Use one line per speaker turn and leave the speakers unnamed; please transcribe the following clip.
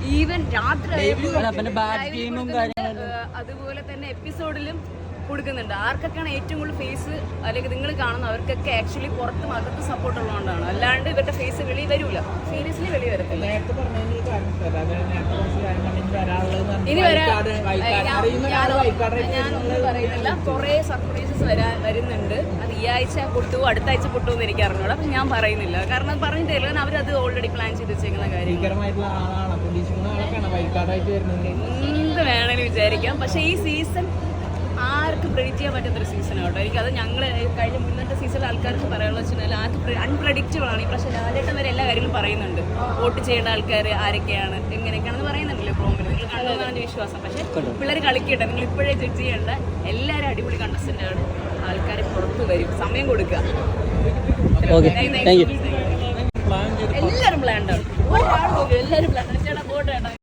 Even രാത്രി
അതുപോലെ തന്നെ എപ്പിസോഡിലും കൊടുക്കുന്നുണ്ട്. ആർക്കൊക്കെയാണ് ഏറ്റവും കൂടുതൽ ഫേസ് അല്ലെങ്കിൽ നിങ്ങൾ കാണുന്ന അവർക്കൊക്കെ ആക്ച്വലി പുറത്തും അകത്ത് സപ്പോർട്ട് ഉള്ളതുകൊണ്ടാണ്. അല്ലാണ്ട് ഇവരുടെ ഫേസ് വെളി വരൂല, സീരിയസ്ലി വെളി വരത്തില്ല. ഇനി ഞാനൊന്നും പറയുന്നില്ല, കുറേ സർപ്രൈസസ് വരുന്നുണ്ട്. അത് ഈ ആഴ്ച പൊട്ടുമോ അടുത്ത ആഴ്ച പൊട്ടുമോ എന്ന് എനിക്ക് അറിഞ്ഞൂടാ. പക്ഷെ ഞാൻ പറയുന്നില്ല, കാരണം പറഞ്ഞിട്ടില്ല, കാരണം അവരത് ഓൾറെഡി പ്ലാൻ ചെയ്ത് വെച്ചേക്കുന്ന കാര്യം. എന്ത് വേണമെങ്കിലും വിചാരിക്കാം. പക്ഷെ ഈ സീസൺ ആർക്കും പ്രെഡിക്റ്റ് ചെയ്യാൻ പറ്റുന്നൊരു സീസണാണ് കേട്ടോ. എനിക്കത് ഞങ്ങൾ കഴിഞ്ഞ മുന്നത്തെ സീസണിൽ ആൾക്കാർക്ക് പറയാനുള്ള വെച്ചാൽ ആർക്ക് അൺപ്രഡിക്റ്റബിൾ ആണ്. ഈ പ്രാവശ്യം ലാലേട്ടൻ വരെ എല്ലാ കാര്യങ്ങളും പറയുന്നുണ്ട്. വോട്ട് ചെയ്യേണ്ട ആൾക്കാർ ആരൊക്കെയാണ് എങ്ങനെയൊക്കെയാണെന്ന് പറയുന്നുണ്ടല്ലോ പ്രോമിൽ. നിങ്ങൾ കണ്ടതെന്നാണ് എൻ്റെ വിശ്വാസം. പക്ഷേ പിള്ളേർ കളിക്കട്ടെ, നിങ്ങൾ ഇപ്പോഴേ ജഡ്ജ് ചെയ്യേണ്ട. എല്ലാവരും അടിപൊളി കണ്ടസ്റ്റൻ്റാണ്. ആൾക്കാർ പുറത്ത് വരും, സമയം കൊടുക്കുക. എല്ലാവരും പ്ലാൻഡാണ്, ഒരാൾ പോലും എല്ലാവരും പ്ലാൻ. ചേട്ടാ പോട്ടെ.